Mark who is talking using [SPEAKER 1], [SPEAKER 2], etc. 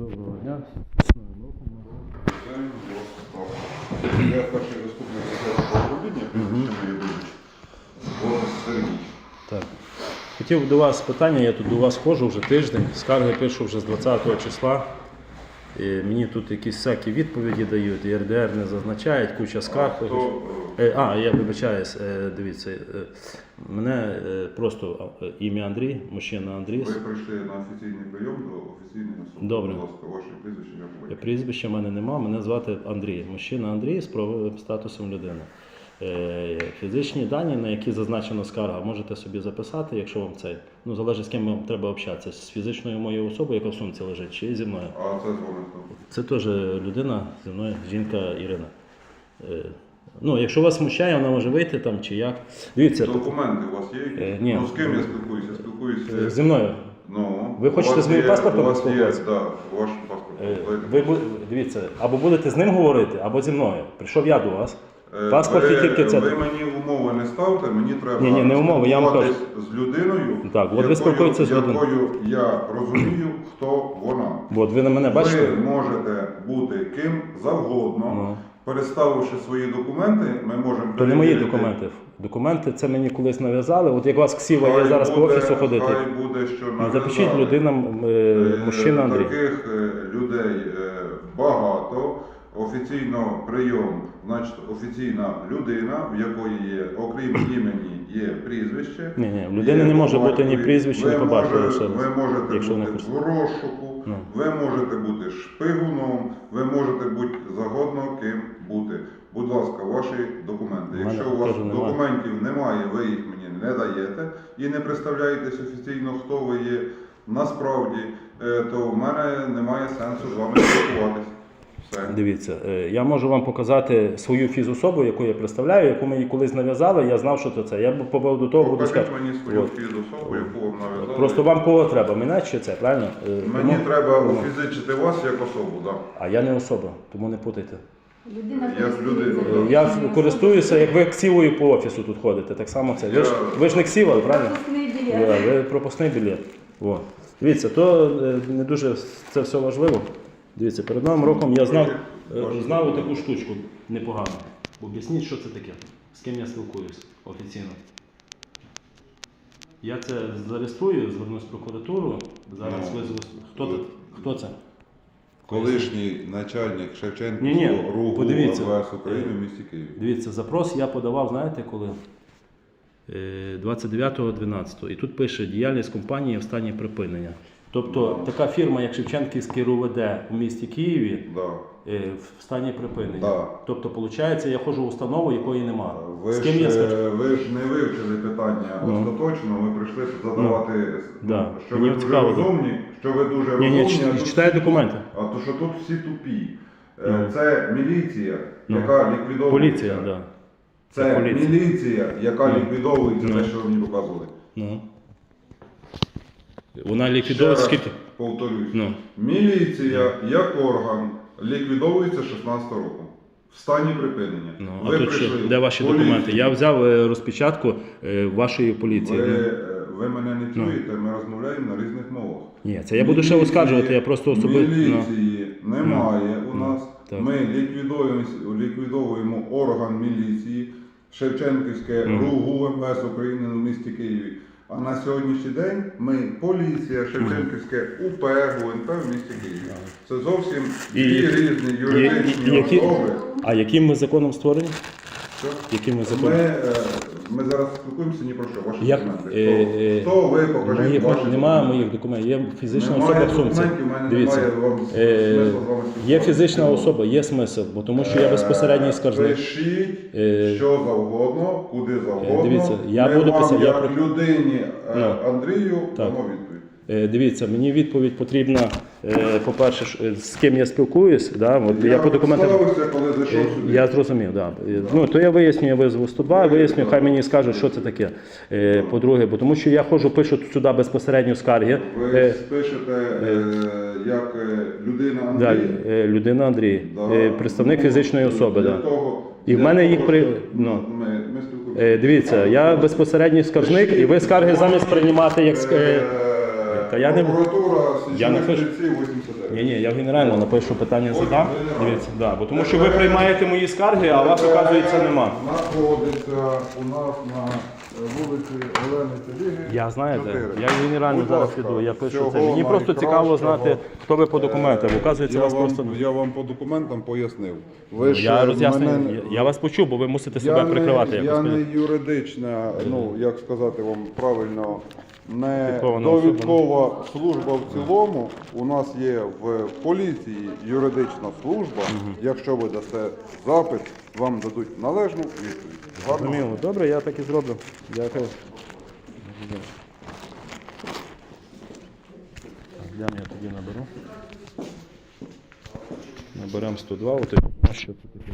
[SPEAKER 1] Доброго дня.
[SPEAKER 2] Я перший заступник секретаря управління, Сергій.
[SPEAKER 1] Так. Хотів до вас питання, я тут до вас ходжу вже тиждень, скарги пишу вже з 20 числа. І мені тут якісь всякі відповіді дають, і РДР не зазначають, куча скарг. Я вибачаюсь, дивіться, мене просто ім'я Андрій, мужчина Андрій.
[SPEAKER 2] Ви прийшли на офіційний прийом до офіційної особи.
[SPEAKER 1] Добре.
[SPEAKER 2] Будь ласка, ваше прізвище, як ви?
[SPEAKER 1] Прізвища в мене нема, мене звати Андрій, мужчина Андрій з правовим статусом людини. Фізичні дані, на які зазначена скарга, можете собі записати, якщо вам це, залежить з ким вам треба общатися, з фізичною моєю особою, яка в сумці лежить, чи зі мною.
[SPEAKER 2] А це з вами хто?
[SPEAKER 1] Це теж людина зі мною, жінка Ірина. Якщо вас смущає, вона може вийти там чи як. Дивіться.
[SPEAKER 2] Документи у вас є?
[SPEAKER 1] Ні.
[SPEAKER 2] З ким я спілкуюся? Спілкуюся
[SPEAKER 1] зі мною.
[SPEAKER 2] Ви
[SPEAKER 1] хочете з моїм паспортом
[SPEAKER 2] поспілкуватися? Так, ваш паспорт.
[SPEAKER 1] Дивіться, або будете з ним говорити, або зі мною. Прийшов я до вас. Паспорт і тільки це.
[SPEAKER 2] Ви мені умови не ставте, мені треба
[SPEAKER 1] не умови, я вам кажу.
[SPEAKER 2] з людиною,
[SPEAKER 1] Так, от ви спілкуєтеся з людиною.
[SPEAKER 2] якою я розумію, хто вона.
[SPEAKER 1] От ви на мене бачите?
[SPEAKER 2] Ви можете бути ким завгодно. Представивши свої документи, ми можемо...
[SPEAKER 1] То не мої документи. Документи це мені колись нав'язали. От як вас ксіва, я зараз по офісу ходити.
[SPEAKER 2] Хай буде, що нав'язали.
[SPEAKER 1] Запишіть людина, мужчина Андрій.
[SPEAKER 2] Таких людей багато. Офіційно прийом, значить офіційна людина, в якої є, окрім імені, є прізвище.
[SPEAKER 1] Ні, в людини не може бути ні прізвища, ні побачення.
[SPEAKER 2] Ви можете бути в розшуку, ви можете бути шпигуном, ви можете бути загодно ким бути. Будь ласка, ваші документи. Якщо у вас документів немає, ви їх мені не даєте і не представляєтесь офіційно, хто ви є насправді, то в мене немає сенсу з вами спілкуватися.
[SPEAKER 1] Дивіться, я можу вам показати свою фізособу, яку я представляю, яку мені колись нав'язали, я знав, що це. Я по поводу того буду сказати.
[SPEAKER 2] Покажіть мені свою фізособу, яку вам нав'язали.
[SPEAKER 1] Просто вам кого треба? Мене чи це, правильно?
[SPEAKER 2] Мені треба офізичити вас як особу, так.
[SPEAKER 1] А я не особа, тому не путайте.
[SPEAKER 2] Я
[SPEAKER 1] користуюся, як ви ксівою по офісу тут ходите, так само це. Ви ж не ксіва, правильно? Ви пропускний білет. Дивіться, то не дуже це все важливо. Дивіться, перед Новим роком я знав таку штучку непогану. Об'ясніть, що це таке, з ким я спілкуюсь офіційно. Я це зареєструю, звернусь в прокуратуру. Зараз визву. Хто це?
[SPEAKER 2] Колишній начальник Шевченківського руху МВС України в місті Києві.
[SPEAKER 1] Дивіться, запрос я подавав, знаєте коли? 29.12. І тут пише «Діяльність компанії в стані припинення». Тобто така фірма, як Шевченківський РУВД у місті Києві, в стані припинення. Тобто, виходить, я ходжу в установу, якої немає.
[SPEAKER 2] Ви ж не вивчили питання остаточно, ви прийшли задавати, що ви дуже розумні,
[SPEAKER 1] читаю документи.
[SPEAKER 2] А то, що тут всі тупі. Це міліція, яка ліквідовується.
[SPEAKER 1] Поліція,
[SPEAKER 2] Це міліція, яка ліквідовується, те, що ви мені показували.
[SPEAKER 1] Вона ліквідовується скільки?
[SPEAKER 2] Повторюсь. Міліція як орган ліквідовується 16 року. В стані припинення.
[SPEAKER 1] А тут що? Де ваші документи? Я взяв розпечатку вашої поліції.
[SPEAKER 2] Ви мене не чуєте, ми розмовляємо на різних мовах.
[SPEAKER 1] Ні, це я буду ще оскаржувати, я просто особисто...
[SPEAKER 2] Міліції немає у нас. Ми ліквідовуємо орган міліції, Шевченківське РУГУ МВС України в місті Києві. А на сьогоднішній день ми поліція, Шевченківське УП, ГУНП в місті Києві. Це зовсім дві різні юридичні особи.
[SPEAKER 1] А яким ми законом створені? Яким ми законом?
[SPEAKER 2] Ми зараз спілкуємося ні про що, ваші документи. Хто ви, покажіть ваші документи.
[SPEAKER 1] Немає моїх документів, є фізична особа в сумці. Дивіться, є фізична особа, є смисл, бо тому що я безпосередній скаржник.
[SPEAKER 2] Пишіть, що завгодно, куди завгодно.
[SPEAKER 1] Дивіться, я буду писати.
[SPEAKER 2] Як людині Андрію дамо відповідь.
[SPEAKER 1] Дивіться, мені відповідь потрібна, по-перше, з ким я спілкуюсь. Я по документам...
[SPEAKER 2] коли зайшов сюди.
[SPEAKER 1] Я зрозумів, то я виясню, я визву 102, виясню, хай мені скажуть, що це таке. По-друге, бо тому що я пишу сюди безпосередньо скарги.
[SPEAKER 2] Ви пишете як людина Андрій?
[SPEAKER 1] Людина Андрій, представник фізичної особи. І в мене їх Дивіться, я безпосередній скаржник, і ви скарги замість приймати як... Та я не-
[SPEAKER 2] Прокуратура,
[SPEAKER 1] Я не
[SPEAKER 2] Січові
[SPEAKER 1] хочу-
[SPEAKER 2] стрільці, 89.
[SPEAKER 1] Ні, я генерально напишу питання задам.
[SPEAKER 2] ви не
[SPEAKER 1] Дивіться, да, бо тому що ви приймаєте мої скарги, а вас, оказується, нема.
[SPEAKER 2] Знаходиться у нас на вулиці Олени Теліги.
[SPEAKER 1] Я знаєте,
[SPEAKER 2] 4.
[SPEAKER 1] я генерально
[SPEAKER 2] Будь
[SPEAKER 1] зараз
[SPEAKER 2] ласка,
[SPEAKER 1] піду, я пишу
[SPEAKER 2] всього
[SPEAKER 1] це. Мені просто цікаво
[SPEAKER 2] найкращого.
[SPEAKER 1] знати, хто ви по документам. Оказується, вас просто.
[SPEAKER 2] Я вам по документам пояснив. Ви ж
[SPEAKER 1] Я роз'яснюю,
[SPEAKER 2] мене-
[SPEAKER 1] я вас почув, бо ви мусите себе прикривати
[SPEAKER 2] Я
[SPEAKER 1] якось.
[SPEAKER 2] не юридична, ну як сказати вам правильно, не
[SPEAKER 1] Підкована особа.
[SPEAKER 2] довідкова служба в цілому. У нас є в поліції юридична служба. Якщо ви дасте запит, вам дадуть належну відповідь. Гарно?
[SPEAKER 1] Зрозуміло. Добре, я так і зроблю. Дякую. Я тоді наберу. Наберемо 102, от і що тут.